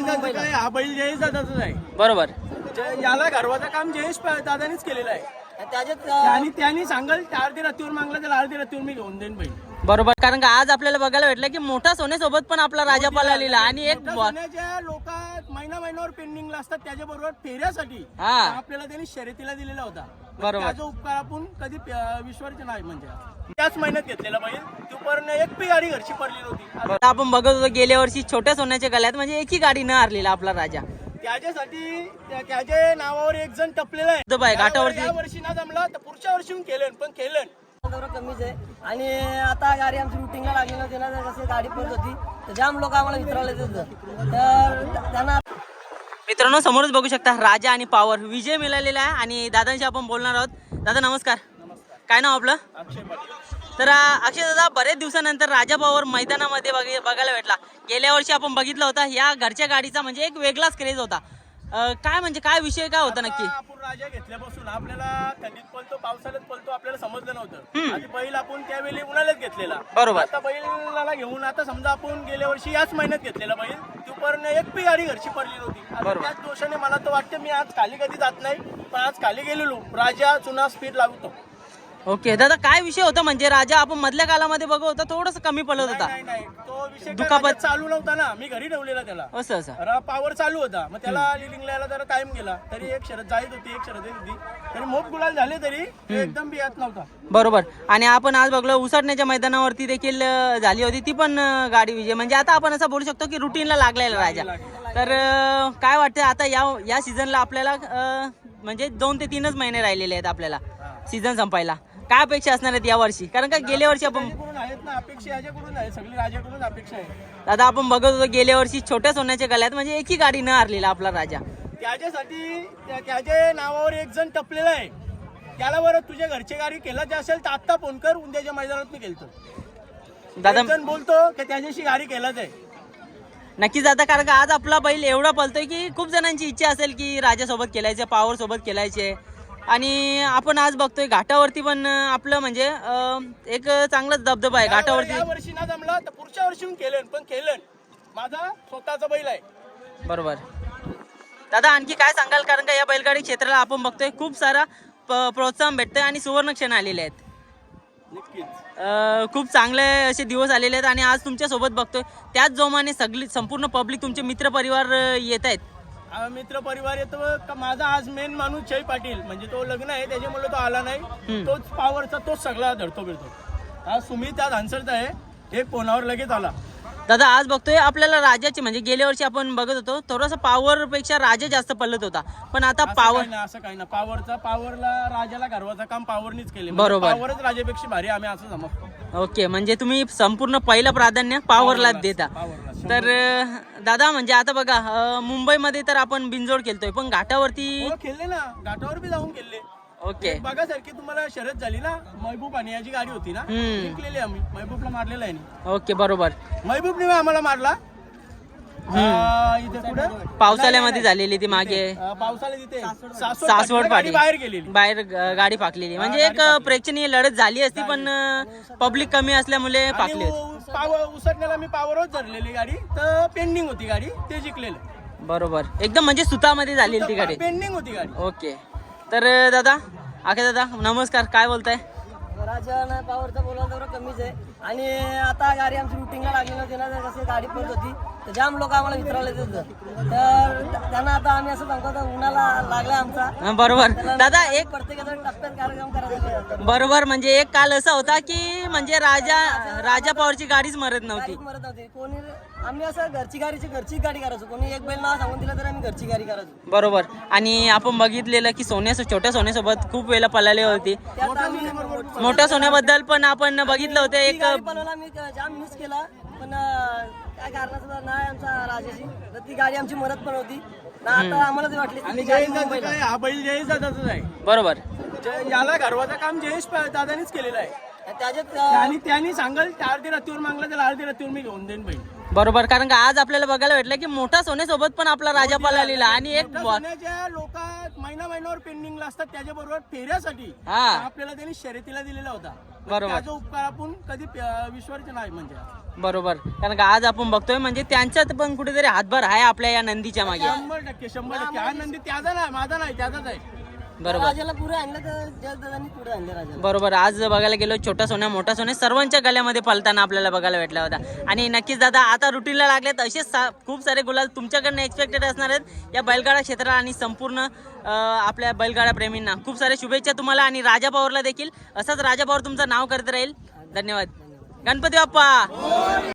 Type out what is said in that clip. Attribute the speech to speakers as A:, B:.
A: काय हा बैल जयेश दादाचाच आहे.
B: बरोबर.
A: याला घरवाचं काम जयेश दादानीच केलेलं आहे. आणि त्यांनी सांगाल अर्धी रात्रीवर मागला तर अर्धी रात्रीवर मी घेऊन देईन बैल.
B: बरोबर, कारण का आज आपल्याला बघायला भेटलं की मोठा सोन्यासोबत पण आपला राजा पळालेला आणि एक
A: सोन्याच्या लोक महिन्यावर पेंडिंगला असतात त्याच्याबरोबर फेऱ्यासाठी आपल्याला त्यांनी शर्यतीला दिलेला होता.
B: बरोबर.
A: त्याचा उपकार आपण कधी विश्वास नाही. म्हणजे त्याच महिन्यात घेतलेला बैल तोपर्यंत एक पी गाडी घरची पडली नव्हती.
B: आपण बघत होतो गेल्या वर्षी छोट्या सोन्याच्या गळ्यात म्हणजे एकही गाडी न हरलेला आपला राजा.
A: त्याच्यासाठी त्याच्या नावावर एक जण टपलेला आहे
B: घाटावरती.
A: या वर्षी ना जमला तर पुढच्या वर्षी केलं पण केलं
C: कमीच आहे. आणि आता गाडी आमची रुटीनला लागली नव्हती ना, जशी गाडी पडत होती तर जाम लोक आम्हाला विचारले तर त्यांना.
B: मित्रांनो समोरच बघू शकता राजा आणि पावर विजय मिळालेला आहे आणि दादांशी आपण बोलणार आहोत. दादा नमस्कार. काय नाव आपलं? तर अक्षय दादा, बरेच दिवसानंतर राजा पावर मैदानामध्ये बघायला भेटला. गेल्या वर्षी आपण बघितलं होता या घरच्या गाडीचा म्हणजे एक वेगळाच क्रेज होता. काय म्हणजे काय विषय काय होता नक्की?
A: आपण राजा घेतल्यापासून आपल्याला थंडीत पळतो पावसाळ्यात पळतो आपल्याला समजलं नव्हतं. आणि बैल आपण त्यावेळी उन्हाळ्यात घेतलेला.
B: बरोबर.
A: आता बैलाला घेऊन आता समजा आपण गेल्या वर्षी याच महिन्यात घेतलेला बैल तोपर्यंत एक पी गाडी घरची पडली नव्हती. त्याच दोषाने मला तर वाटतं मी आज खाली कधी जात नाही, पण आज खाली गेलेलो राजा चुना स्पीड लागतो.
B: ओके दादा, काय विषय होता म्हणजे राजा आपण मधल्या कालामध्ये बघत होता थोडस कमी पडत होता.
A: नाही तो विषय
B: दुखापत
A: चालू नव्हता ना, मी घरी ठेवलेला त्याला.
B: असं
A: पावर चालू होता, मग त्याला लिलिंगला यायला जरा टाइम गेला तरी एक शरद जायत होती एक शरद येत होती तरी मोठ गुलाल झाले तरी एकदम बी येत नव्हता.
B: बरोबर. आणि आपण आज बघलो उसाटण्याच्या मैदानावरती देखील झाली होती ती पण गाडी विजय. म्हणजे आता आपण असं बोलू शकतो की रुटीनला लागलेला राजा. तर काय वाटतं आता या सीझनला आपल्याला म्हणजे 2 ते 3च महिने राहिलेले आहेत आपल्याला सीझन संपायला. काय अपेक्षा असणार आहेत या वर्षी? कारण का गेल्या वर्षी आपण
A: आहेत ना अपेक्षा याच्याकडून आहे, सगळी राजाकडून अपेक्षा आहे.
B: दादा आपण बघत होतो गेल्या वर्षी छोट्या सोन्याच्या गळ्यात म्हणजे एकही गाडी न हरलेला आपला राजा.
A: त्याच्यासाठी त्याच्या नावावर एक जण टपलेला आहे. त्याला बरं तुझ्या घरची गाडी केला असेल तर आत्ता फोन कर, उद्याच्या मैदानात मी गेलतो.
B: दादा
A: जण बोलतो की त्याच्याशी गाडी केलाच आहे.
B: नक्कीच दादा, कारण का आज आपला बैल एवढा पळतोय की खूप जणांची इच्छा असेल की राजासोबत खेळायचे, पॉवर सोबत खेळायचे. आणि आपण आज बघतोय घाटावरती पण आपलं म्हणजे एक चांगलाच दबदबा आहे घाटावरती.
A: या वर्षी ना जमला तर पुढच्या वर्षी केलं पण केलं. माझा स्वतःचा बैल आहे.
B: बरोबर. दादा आणखी काय सांगाल? कारण का या बैलगाडी क्षेत्राला आपण बघतोय खूप सारा प्रोत्साहन भेटतंय आणि सुवर्ण क्षण आलेले आहेत. खूप चांगले असे दिवस आलेले आहेत आणि आज तुमच्या सोबत बघतोय त्याच जोमाने सगळी संपूर्ण पब्लिक तुमचे मित्र परिवार येत आहेत.
A: मित्र परिवार येतो. माझा आज मेन माणूस जय पाटील म्हणजे तो लग्न आहे त्याच्यामुळे तो आला नाही. तोच पॉवरचा तोच सगळा धरतो बिरतो. आज सुमित आज आन्सरचा आहे, एक फोनावर लगेच आला.
B: दादा आज बघतोय आपल्याला राजाची म्हणजे गेल्या वर्षी आपण बघत होतो थोडासा पॉवर पेक्षा राजा जास्त पडत होता, पण आता पॉवर
A: असं काही ना पॉवरला राजाला घरवाचं काम पॉवरनीच केले.
B: बरोबर.
A: पॉवरच राजापेक्षा भारी आम्ही असं समजतो.
B: ओके, म्हणजे तुम्ही संपूर्ण पहिलं प्राधान्य पॉवरला देता. तर दादा म्हणजे आता बघा मुंबईमध्ये तर आपण बिनजोड खेळतोय पण घाटावरती
A: खेळले ना, घाटावर बी जाऊन खेळले.
B: ओके.
A: बघा सारखी तुम्हाला शर्यत झाली ना, महबूब आणि याची गाडी होती ना, जिंकलेली आम्ही. महबूबला मारलेला आहे.
B: ओके बरोबर.
A: महबूबने आम्हाला मारला इथे कुठे
B: पावसाळ्यामध्ये झालेली ती मागे
A: पावसाळ्यात तिथे
B: सासवड पाडी
A: बाहेर गेलेली,
B: बाहेर गाडी फाकलेली. म्हणजे एक प्रेक्षणीय लढत झाली असती पण पब्लिक कमी असल्यामुळे फाकली होती.
A: उसटण्याला मी पावरच धरलेली गाडी तर पेंडिंग होती गाडी ते जिंकलेलं.
B: बरोबर, एकदम म्हणजे सुतामध्ये झालेली ती गाडी,
A: पेंडिंग होती गाडी.
B: ओके. तर दादा आखे दादा नमस्कार, काय बोलताय?
C: राजा नाही पॉवरचा बोलायला तेवढं कमीच आहे. आणि आता गाडी आमची रुटीनला लागली नव्हती ना, जशी गाडी पडत होती तर जाम लोक आम्हाला विचारले तर त्यांना आता आम्ही असं सांगतो तर उन्हाला लागला आमचा.
B: बरोबर दादा, एक
C: प्रत्येकाचा टप्प्यात कार्यक्रम करायचा.
B: बरोबर, म्हणजे एक काल असा होता की म्हणजे राजा पॉवरची गाडीच मरत नव्हती.
C: कोणी आम्ही असं घरची गाडी करायचो. कोणी एक बैल नाव सांगून दिलं तर आम्ही घरची गाडी करायचो.
B: बरोबर. आणि आपण बघितलेलं की छोट्या सोन्यासोबत खूप वेळेला पळाले होती. मोठ्या सोन्याबद्दल पण आपण बघितलं होतं एक
C: मी जाम मिस केला, पण काय कारणाचं नाही आमचा राजाशी तर ती गाडी आमची मरत पण होती ना. आता आम्हाला ते वाटली
A: हा बैल जयेश दादाचाच आहे.
B: बरोबर.
A: याला घरवाचं काम जयेश दादानीच केलेलं आहे.
C: त्याच्यात
A: आणि त्यांनी सांगाल अर्धी रात्रीवर मागला तर अर्धी रात्रीवर मी घेऊन देईन बैल.
B: बरोबर, कारण का आज आपल्याला बघायला भेटलं की मोठा सोन्यासोबत पण आपला राजा पळालेला आणि एक
A: सोन्याच्या लोक महिन्यावर पेंडिंगला असतात त्याच्याबरोबर फेऱ्यासाठी
B: हा
A: आपल्याला त्यांनी शर्यतीला दिलेला होता.
B: बरोबर.
A: त्याचा उपकार आपण कधी विश्वास नाही म्हणजे
B: बरोबर, कारण का आज आपण बघतोय म्हणजे त्यांच्यात पण कुठेतरी हातभार आहे आपल्या या नंदीच्या मागे.
A: 100% हा नंदी त्याचा नाही, माझा नाही, त्याचाच आहे.
B: बरोबर
C: राजाला पुढे आणलं तर त्या दादांनी पुढे आणलं राजाला.
B: बरोबर, आज बघायला गेलो छोटा सोन्या मोठा सोन्या सर्वांच्या गळ्यामध्ये पलताना आपल्याला बघायला भेटला होता. आणि नक्कीच दादा आता रुटीनला लागलेत असेच खूप सारे गुलाल तुमच्याकडनं एक्सपेक्टेड असणार आहेत या बैलगाडा क्षेत्राला आणि संपूर्ण आपल्या बैलगाडा प्रेमींना खूप साऱ्या शुभेच्छा तुम्हाला आणि राजा पवारला देखील. असंच राजा पवार तुमचं नाव करत राहील. धन्यवाद. गणपती बाप्पा.